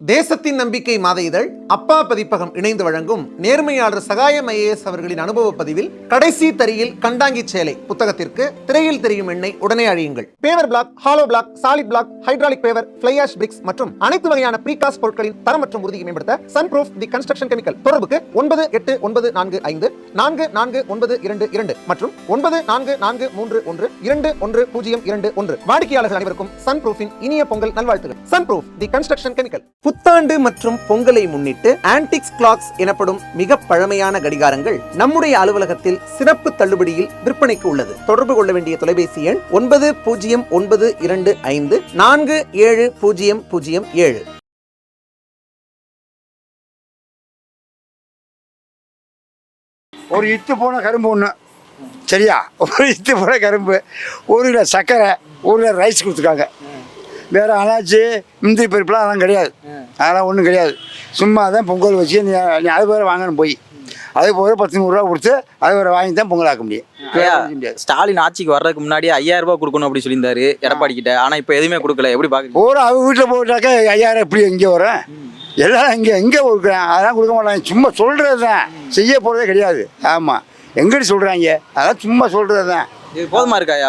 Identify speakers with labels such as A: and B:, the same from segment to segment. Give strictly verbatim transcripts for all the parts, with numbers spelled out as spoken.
A: தேசத்தின் நம்பிக்கை மாத இதழ் அப்பா பதிப்பகம் இணைந்து வழங்கும் நேர்மையாளர் சகாயம் ஐஏஎஸ் அவர்களின் அனுபவ பதிவில் கடைசி தரியில் கண்டாங்கி சேலை புத்தகத்திற்கு திரையில் தெரியும் எண்ணை உடனே அழியுங்கள். Paver block, hollow block, solid block, hydraulic paver, fly ash bricks மற்றும் அனைத்து வகையான ப்ரீகாஸ்ட் பொருட்களின் தரம் மற்றும் உறுதியை மேம்படுத்த sun proof the construction chemical. தொடர்புக்கு ஒன்பது எட்டு ஒன்பது நான்கு ஐந்து நான்கு நான்கு ஒன்பது இரண்டு இரண்டு மற்றும் ஒன்பது நான்கு நான்கு மூன்று ஒன்று இரண்டு ஒன்று பூஜ்ஜியம் இரண்டு ஒன்று. வாடிக்கையாளர்கள் அனைவருக்கும் சன் ப்ரூஃபின் இனிய பொங்கல் நல்வாழ்த்துகள். Sun proof the construction chemical. புத்தாண்டு மற்றும் பொங்கலை முன்னிட்டு ஆன்டிக்ஸ் கிளாக்ஸ் எனப்படும் மிக பழமையான கடிகாரங்கள் நம்முடைய அலுவலகத்தில் சிறப்பு தள்ளுபடியில் விற்பனைக்கு உள்ளது. தொடர்பு கொள்ள வேண்டிய தொலைபேசி எண் ஒன்பது பூஜ்ஜியம் ஒன்பது இரண்டு ஐந்து நான்கு ஏழு பூஜ்ஜியம் பூஜ்ஜியம் ஏழு.
B: ஒரு இத்து போன கரும்பு ஒன்று, சரியா? ஒரு இத்து போன கரும்பு, ஒரு கிலோ சர்க்கரை, ஒரு கிலோ ரைஸ் கொடுத்துருக்காங்க. வேறு அனாச்சு முந்திரி பருப்புலாம் அதெல்லாம் கிடையாது, அதெல்லாம் ஒன்றும் கிடையாது. சும்மா தான் பொங்கல் வச்சு நீ நீ அது வேறு வாங்கணும் போய் அது போகிற பத்து நூறுரூவா கொடுத்து அது வேறு வாங்கி தான் பொங்கல் ஆக்க முடியும்.
C: முடியாது. ஸ்டாலின் ஆட்சிக்கு வர்றதுக்கு முன்னாடி ஐயாயிரம் ரூபாய் கொடுக்கணும் அப்படி சொல்லியிருந்தாரு எடப்பாடி கிட்ட. ஆனால் இப்போ எதுவுமே கொடுக்கல. எப்படி பார்க்குறீங்க?
B: ஒரு அவங்க வீட்டில் போட்டாக்கா ஐயாயிரம் எப்படி எங்கே வரேன்? எல்லாம் இங்கே எங்கே கொடுக்குறேன்? அதெல்லாம் கொடுக்க மாட்டாங்க. சும்மா சொல்கிறது தான், செய்ய போகிறதே கிடையாது. ஆமாம், எங்கிட்ட சொல்கிறாங்க, அதெல்லாம் சும்மா சொல்கிறது தான்.
C: இது போதுமா இருக்காயா?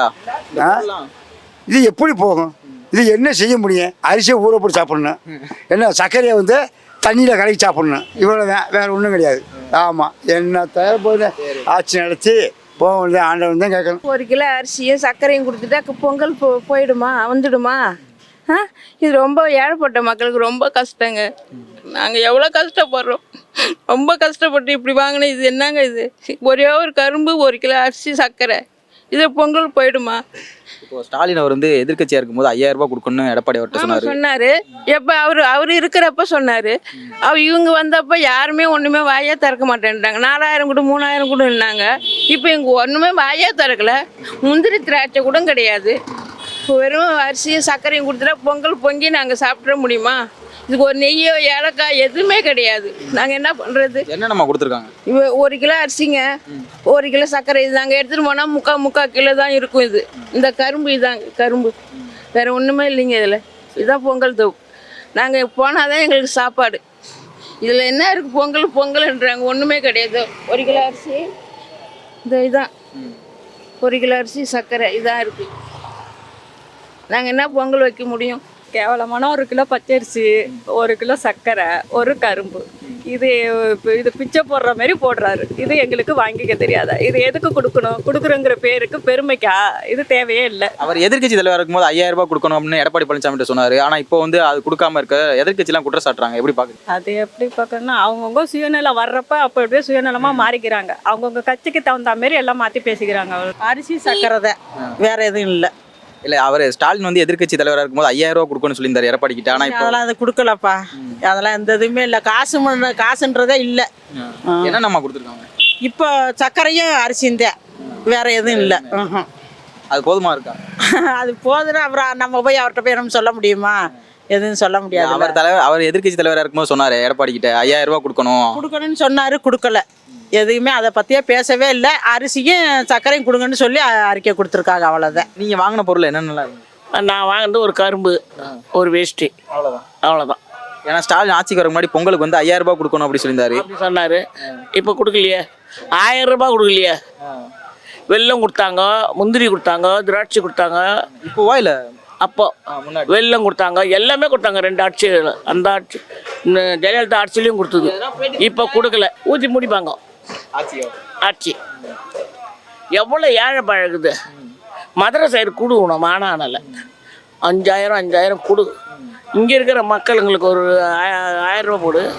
B: இது எப்படி போகும்? இது என்ன செய்ய முடியும்? அரிசியை ஊற போட்டு சாப்பிட்ணும், என்ன சர்க்கரையை வந்து தண்ணியில் கலக்கி சாப்பிட்ணும், இவ்வளோ தான், வேறு ஒன்றும் கிடையாது. ஆமாம், என்ன தவிர போய் ஆட்சி நடத்தி போக வேண்டிய ஆண்டவன் தான் கேட்கணும்.
D: ஒரு கிலோ அரிசியும் சர்க்கரையும் கொடுத்துட்டா பொங்கல் போ போயிடுமா வந்துடுமா? ஆ இது ரொம்ப ஏழைப்பட்ட மக்களுக்கு ரொம்ப கஷ்டங்க. நாங்கள் எவ்வளோ கஷ்டப்படுறோம், ரொம்ப கஷ்டப்பட்டு இப்படி வாங்கினேன். இது என்னங்க இது? ஒரே ஒரு கரும்பு, ஒரு கிலோ அரிசி, சர்க்கரை, இது பொங்கல் போயிடுமா?
C: இப்போ ஸ்டாலின் அவர் வந்து எதிர்கட்சியாக இருக்கும்போது ஐயாயிரம் ரூபாய் கொடுக்கணும்னு எடப்பாடி அவர்கிட்ட சொன்னார்
D: சொன்னார் எப்போ அவர் அவர் இருக்கிறப்ப சொன்னார். அவர் இவங்க வந்தப்போ யாருமே ஒன்றுமே வாயே திறக்க மாட்டேன்ட்டாங்க. நாலாயிரம் கூட மூணாயிரம் கூட இருந்தாங்க. இப்போ இங்கே ஒன்றுமே வாயே திறக்கல. முந்திரி திராட்சை கூட கிடையாது. வெறும் அரிசியும் சர்க்கரையும் கொடுத்துட்டா பொங்கல் பொங்கி நாங்கள் சாப்பிட முடியுமா? இதுக்கு ஒரு நெய்யோ ஏலக்காய் எதுவுமே கிடையாது. நாங்கள் என்ன பண்ணுறது?
C: என்னென்னமா கொடுத்துருக்காங்க?
D: இவ ஒரு கிலோ அரிசிங்க, ஒரு கிலோ சர்க்கரை, இது நாங்கள் எடுத்துகிட்டு போனால் முக்கால் முக்கால் கிலோ தான் இருக்கும். இது இந்த கரும்பு, இதாங்க கரும்பு, வேறு ஒன்றுமே இல்லைங்க. இதில் இதுதான் பொங்கல் தொகுப்பு. நாங்கள் போனால் தான் எங்களுக்கு சாப்பாடு. இதில் என்ன இருக்குது? பொங்கல் பொங்கல்ன்றாங்க, ஒன்றுமே கிடையாது. ஒரு கிலோ அரிசி, இந்த இதுதான் ஒரு கிலோ அரிசி, சர்க்கரை, இதான் இருக்குது. நாங்கள் என்ன பொங்கல் வைக்க முடியும்?
E: கேவலமான ஒரு கிலோ பச்சரிசி, ஒரு கிலோ சர்க்கரை, ஒரு கரும்பு, இது இது பிச்சை போடுற மாதிரி போடுறாரு. இது எங்களுக்கு வாங்கிக்க தெரியாதா? இது எதுக்கு கொடுக்கணும்? கொடுக்குறோங்கிற பேருக்கு பெருமைக்கா? இது தேவையே இல்லை.
C: அவர் எதிர்கட்சி தலைவராக இருக்கும்போது ஐயாயிரம் ரூபாய் கொடுக்கணும் அப்படின்னு எடப்பாடி பழனிசாமி சொன்னார். ஆனால் இப்போ வந்து அது கொடுக்காம இருக்க எதிர்கட்சிலாம் குற்றம் சாட்டுறாங்க. எப்படி பார்க்குறீங்க?
E: அது எப்படி பார்க்கணும்னா, அவங்கவுங்க சுயநலம் வர்றப்ப அப்போ எப்படியே சுயநலமாக மாறிக்கிறாங்க. அவங்கவுங்க கட்சிக்கு தகுந்த மாதிரி எல்லாம் மாற்றி பேசிக்கிறாங்க.
F: அரிசி சர்க்கரை தான், வேற எதுவும் இல்லை.
C: இல்லை, அவர் ஸ்டாலின் வந்து எதிர்கட்சி தலைவராக இருக்கும்போது ஐயாயிரம் ரூபா கொடுக்கணும்னு சொல்லியிருந்தார் எடப்பாடி கிட்ட. ஆனால் இப்போ
F: அதெல்லாம் அது கொடுக்கலப்பா. அதெல்லாம் எந்த இதுவுமே இல்லை. காசு காசுன்றதே இல்லை.
C: என்ன நம்ம கொடுத்துருக்காங்க?
F: இப்போ சர்க்கரையும் அரிசியும் தான், வேற எதுவும் இல்லை.
C: அது போதுமா இருக்கா?
F: அது போதுன்னா அப்புறம் நம்ம போய் அவர்கிட்ட போய் நம்ம சொல்ல முடியுமா? எதுவும் சொல்ல முடியாது.
C: அவர் தலைவர் அவர் எதிர்கட்சி தலைவராக இருக்கும்போது சொன்னார் எடப்பாடி கிட்ட ஐயாயிரம் ரூபா கொடுக்கணும்
F: கொடுக்கணும்னு சொன்னார், கொடுக்கல. எதுவுமே அதை பற்றியே பேசவே இல்லை. அரிசியும் சர்க்கரையும் கொடுங்கன்னு சொல்லி அறிக்கை கொடுத்துருக்காங்க, அவ்வளோதான்.
C: நீங்கள் வாங்கின பொருள் என்னென்னலாம் இருக்கு?
G: நான் வாங்கினது ஒரு கரும்பு, ஒரு வேஷ்டி,
C: அவ்வளோதான்
G: அவ்வளோதான்.
C: ஏன்னா ஸ்டாலின் ஆட்சிக்கு வர முன்னாடி பொங்கலுக்கு வந்து ஐயாயிரம் ரூபாய் கொடுக்கணும் அப்படி சொல்லியிருந்தாரு.
G: அப்படி சொன்னார். இப்போ கொடுக்கலையே, ஆயிரம் ரூபாய் கொடுக்கலையே. வெல்லம் கொடுத்தாங்க, முந்திரி கொடுத்தாங்க, திராட்சை கொடுத்தாங்க.
C: இப்போவா இல்லை
G: அப்போ வெல்லம் கொடுத்தாங்க, எல்லாமே கொடுத்தாங்க. ரெண்டு ஆட்சி, அந்த ஆட்சி ஜெயலலிதா ஆட்சிலையும் கொடுத்தது. இப்போ கொடுக்கல. ஊற்றி முடிப்பாங்க ஆட்சி. எவ்வளோ ஏழை பழகுது. மதுரை சைடு கொடுக்கணும், மானானல அஞ்சாயிரம் அஞ்சாயிரம் கொடு. இங்கே இருக்கிற மக்களுங்களுக்கு ஒரு ஆயிரம் ரூபா போடு.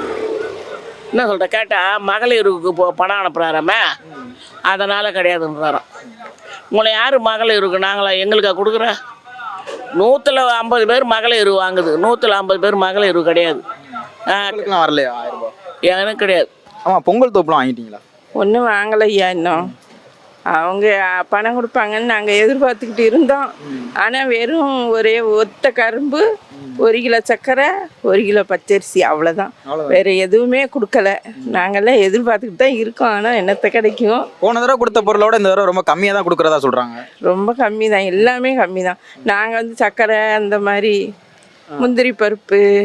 G: என்ன சொல்கிற கேட்டால் மகளிருக்கு இப்போ பணம் அனுப்புகிறாராமே, அதனால் கிடையாதுன்றாராம். உங்களை யார் மகளிருக்கு நாங்களா எங்களுக்கா கொடுக்குற? நூற்றில் ஐம்பது பேர் மகளிர் வாங்குது, நூற்றில் ஐம்பது பேர் மகளிர் கிடையாது.
C: வரலையா ஆயிரம் ரூபாய்?
G: எனக்கு கிடையாது.
C: ஆமாம், பொங்கல் தோப்புலாம் வாங்கிட்டீங்களா?
D: ஒன்றும் வாங்கலையா இன்னும். அவங்க பணம் கொடுப்பாங்கன்னு நாங்கள் எதிர்பார்த்துக்கிட்டு இருந்தோம். ஆனால் வெறும் ஒரே ஒத்த கரும்பு, ஒரு கிலோ சர்க்கரை, ஒரு கிலோ பச்சரிசி, அவ்வளோதான். வேறு எதுவுமே கொடுக்கல. நாங்கள்லாம் எதிர்பார்த்துக்கிட்டு தான் இருக்கோம். ஆனால் என்னத்தை கிடைக்கும்?
C: போன தடவை கொடுத்த பொருளோட இந்த தடவை ரொம்ப கம்மியாக தான் கொடுக்குறதா சொல்கிறாங்க.
D: ரொம்ப கம்மி தான், எல்லாமே கம்மி தான். நாங்கள் வந்து சர்க்கரை, அந்த மாதிரி முந்திரி பருப்பு,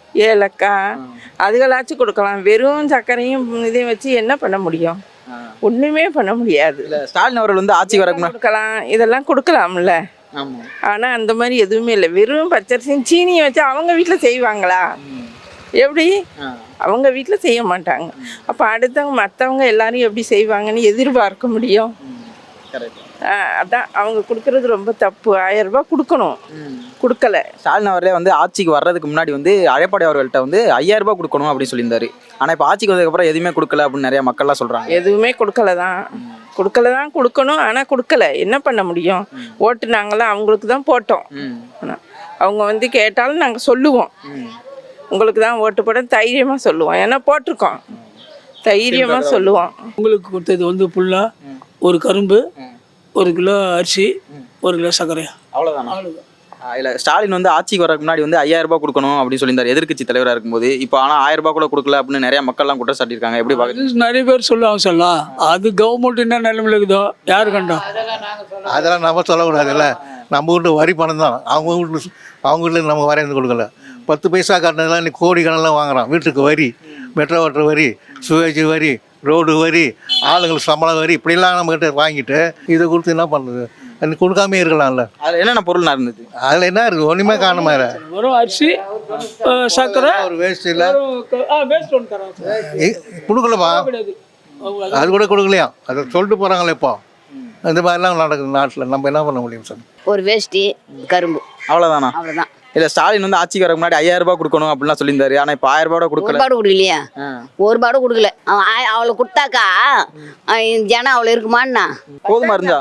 D: ஏலக்காய் அதுகளாச்சும் கொடுக்கலாம். வெறும் சர்க்கரையும் இதையும் வச்சு என்ன பண்ண முடியும்? ஒன்றுமே பண்ண முடியாது.
C: இல்ல ஸ்டாலின் அவர்கள் வந்து ஆட்சிக்கு வரக்கு முன்னாடி
D: கொடுக்கலாம், இதெல்லாம் கொடுக்கலாம்ல.
C: ஆமா
D: ஆனால் அந்த மாதிரி எதுவுமே இல்லை. வெறும் பச்சரிசியும் சீனியை வச்சு அவங்க வீட்டில் செய்வாங்களா? எப்படி? அவங்க வீட்டில் செய்ய மாட்டாங்க. அப்போ அடுத்தவங்க மற்றவங்க எல்லாரும் எப்படி செய்வாங்கன்னு எதிர்பார்க்க முடியும்?
C: கரெக்ட்.
D: ஆ, அதான் அவங்க கொடுக்கறது ரொம்ப தப்பு. ஆயிரம் ரூபாய் கொடுக்கணும், கொடுக்கல.
C: ஸ்டாலின் அவர்களே வந்து ஆட்சிக்கு வர்றதுக்கு முன்னாடி வந்து எடப்பாடி அவர்கள்ட்ட வந்து ஐயாயிரம் ரூபாய் கொடுக்கணும் அப்படின்னு சொல்லியிருந்தாரு. ஆனால் இப்போ ஆட்சிக்கு வந்ததுக்கப்புறம் எதுவுமே கொடுக்கல அப்படின்னு நிறைய மக்கள்லாம் சொல்கிறாங்க.
D: எதுவுமே கொடுக்கல தான், கொடுக்கல தான் கொடுக்கணும். ஆனால் கொடுக்கல, என்ன பண்ண முடியும்? ஓட்டு நாங்களாம் அவங்களுக்கு தான் போட்டோம். ஆனா, அவங்க வந்து கேட்டாலும் நாங்கள் சொல்லுவோம், உங்களுக்கு தான் ஓட்டு போட தைரியமாக சொல்லுவோம். ஏன்னா போட்டிருக்கோம், தைரியமாக சொல்லுவோம்.
H: உங்களுக்கு கொடுத்தது வந்து ஃபுல்லாக ஒரு கரும்பு, ஒரு கிலோ அரிசி, ஒரு கிலோ சர்க்கரை,
C: அவ்வளோதானா? இல்லை ஸ்டாலின் வந்து ஆட்சிக்கு வரக்கு முன்னாடி வந்து ஐயாயிரம் ரூபாய் கொடுக்கணும் அப்படின்னு சொல்லியிருந்தார் எதிர்க்கட்சி தலைவராக இருக்கும்போது. இப்போ ஆனால் ஆயிரம் ரூபாய் கூட கொடுக்கல அப்படின்னு நிறைய மக்கள்லாம் குற்றம் சாட்டியிருக்காங்க. எப்படி பார்க்குறது?
H: நிறைய பேர் சொல்லுவாங்க சொல்லலாம். அது கவர்மெண்ட் என்ன நிலைமையில் இருக்குதோ யாரு கண்டோம்?
I: அதெல்லாம் நம்ம சொல்லக்கூடாதுல்ல. நம்ம வீட்டு வரி பணம் தான், அவங்க வீட்டு அவங்க வீட்டில் நம்ம வரைந்து கொடுக்கல. பத்து பைசா கட்டினதெல்லாம் இன்னைக்கு கோடி கணக்கெல்லாம் வாங்குறான். வீட்டுக்கு வரி, மெட்ரோ வாட்டர் வரி, சுவேஜ் வரி, ரோடு வரி, ஆளுங்களுக்கு சம்பளம் வரி, இப்படிலாம் நம்மகிட்ட வாங்கிட்டு இதை கொடுத்து என்ன பண்ணுறது? அது கொடுக்காமே இருக்கலாம்ல.
C: அதில் என்னென்ன பொருள் இருந்தது?
I: அதில் என்ன இருக்குது? ஒன்றுமே காணுமா?
H: வெறும் அரிசி, சர்க்கரை,
I: ஒரு வேஸ்ட் இல்லை,
H: வேஸ்ட் ஒன்று தரோம்.
I: கொடுக்கலப்பா. அது கூட கொடுக்கலையா? அதை சொல்லிட்டு போகிறாங்களே இப்போ. இந்த மாதிரிலாம் நடக்குது நாட்டில். நம்ம என்ன பண்ண முடியும் சார்?
J: ஒரு வேஷ்டி, கரும்பு,
C: அவ்வளோதானா?
J: அவ்வளோதான்.
C: இல்லை ஸ்டாலின் வந்து ஆட்சிக்கு வரக்கு முன்னாடி ஐயாயிரம் ரூபாய் கொடுக்கணும் அப்படின்லாம் சொல்லியிருந்தாரு. ஆனால் இப்போ ஆயிரம் ரூபாய்
J: ஒரு
C: கொடுக்கல.
J: பாடு கொடுக்கலையா? ஒரு பாடு கொடுக்கல. அவன் ஆய- அவளை கொடுத்தாக்கா அஹ் ஜனம் அவளை இருக்குமான்னா?
C: போதுமா இருந்தா?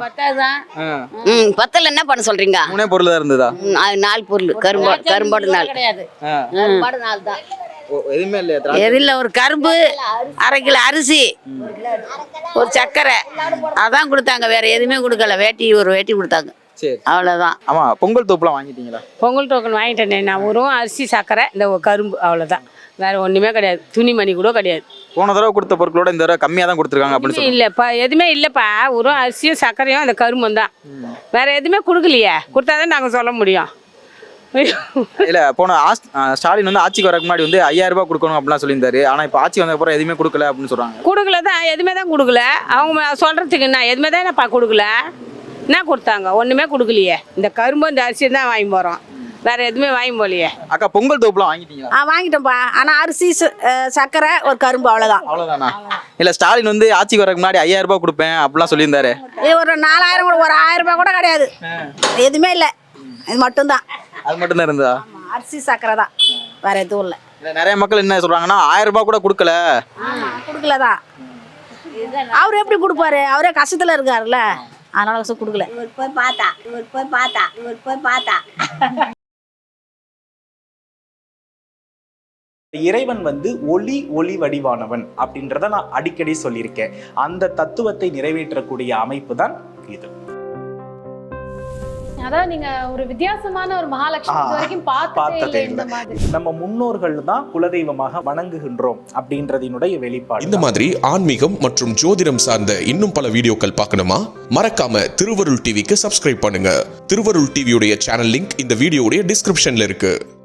J: ம் பத்தில் என்ன பண்ண சொல்றீங்க?
C: மூணே பொருள் தான் இருந்ததா?
J: ம், அது நாலு பொருள். கரும்பாடு, கரும்பாடு நாலு.
C: ஆ.
J: கரும்பாடு நாலு தான்.
C: ஓ, எதுவுமே இல்லையா? திராட்சை?
F: எதில் ஒரு கரும்பு, அரை கிலோ அரிசி, ஒரு சர்க்கரை, அதான் கொடுத்தாங்க. வேற எதுவுமே கொடுக்கல. வேட்டி, ஒரு வேட்டி கொடுத்தாங்க,
C: சரி.
F: அவ்வளோதான்.
C: ஆமா, பொங்கல் தோப்புலாம் வாங்கிட்டீங்களா?
E: பொங்கல் டோக்கன் வாங்கிட்டேனே நான். ஒரு அரிசி, சர்க்கரை, இந்த ஒரு கரும்பு, அவ்வளோதான். வேற ஒன்றுமே கிடையாது. துணிமணி கூட கிடையாது.
C: போன தடவை கொடுத்த பொருட்களோட இந்த தடவை கம்மியாக தான் கொடுத்துருக்காங்க அப்படின்னு
E: எதுவுமே
C: சொல்லி.
E: இல்லைப்பா, எதுவுமே இல்லைப்பா. ஒரு அரிசியும் சர்க்கரையும் அந்த கரும்பும் தான். வேற எதுவுமே கொடுக்கலையே. கொடுத்தாதான் நாங்கள் சொல்ல முடியும்.
C: இல்ல போன ஆஸ்- ஆ, ஸ்டாலின் வந்து ஆட்சிக்கு வரக்கு முன்னாடி வந்து ஐயாயிரம் ரூபாய் கொடுக்கணும் அப்படிலாம் சொல்லியிருந்தாரு. ஆனா இப்போ ஆட்சி வந்ததுக்கப்புறம் எதுவுமே கொடுக்கல அப்படின்னு சொல்றாங்க.
E: கொடுக்கல தான், எதுவுமே தான் கொடுக்கல. அவங்க சொல்கிறதுக்கு என்ன, எதுவுமே தான் என்னப்பா கொடுக்கல. என்ன கொடுத்தாங்க? ஒன்றுமே கொடுக்கலையே. இந்த கரும்பு, இந்த அரிசி தான் வாங்கி போகிறோம். வேற எதுவுமே வாங்கி போகலையே.
C: அக்கா, பொங்கல் தோப்புலாம் வாங்கிட்டீங்களா?
F: ஆ வாங்கிட்டோம்ப்பா. ஆனால் அரிசி, ச- அஹ் சர்க்கரை, ஒரு கரும்பு, அவ்வளோதான்.
C: அவ்வளோதானா? இல்ல ஸ்டாலின் வந்து ஆட்சிக்கு வரக்கு முன்னாடி ஐயாயிரம் ரூபாய் கொடுப்பேன் அப்படிலாம் சொல்லியிருந்தாரு.
F: இது ஒரு நாலாயிரம் கூட, ஒரு ஆயிரம் ரூபாய் கூட கிடையாது. எதுவுமே இல்லை, இது மட்டும்தான்.
C: அது மட்டும் தான் இருந்தா?
F: அரிசி, சர்க்கரை தான், வேற எதுவும் இல்லை.
C: இல்ல நிறைய மக்கள் என்ன சொல்றாங்கன்னா ஆயிரம் ரூபாய் கூட கொடுக்கல.
F: கொடுக்கல தான். அவர் எப்படி கொடுப்பாரு? அவரே கஷ்டத்தில் இருக்காருல்ல, அதனால கஷ்டம் கொடுக்கல. இவர் போய் பார்த்தா, இவர் போய் பார்த்தா, இவர் போய் பார்த்தா.
K: இறைவன் வந்து ஒளி ஒளி வடிவானவன் அப்படின்றத நான் அடிக்கடி சொல்லியிருக்கேன். அந்த தத்துவத்தை நிறைவேற்றக்கூடிய அமைப்பு தான் இது.
L: அதான் நீங்க ஒரு வித்தியாசமான ஒரு மகாலட்சுமி இது வரைக்கும் பார்த்ததே
K: பார்த்ததே
L: இல்லை
K: இல்லை.
L: இந்த மாதிரி.
K: நம்ம முன்னோர்கள் தான் குலதெய்வமாக வணங்குகின்றோம் அப்படின்றதினுடைய வெளிப்பாடு.
M: இந்த மாதிரி ஆன்மீகம் மற்றும் ஜோதிடம் சார்ந்த இன்னும் பல வீடியோக்கள் பார்க்கணுமா? மறக்காம திருவருள் டிவிக்கு சப்ஸ்கிரைப் பண்ணுங்க. திருவருள் டிவியுடைய சேனல் லிங்க் இந்த வீடியோடைய டிஸ்கிரிப்ஷன்ல இருக்கு.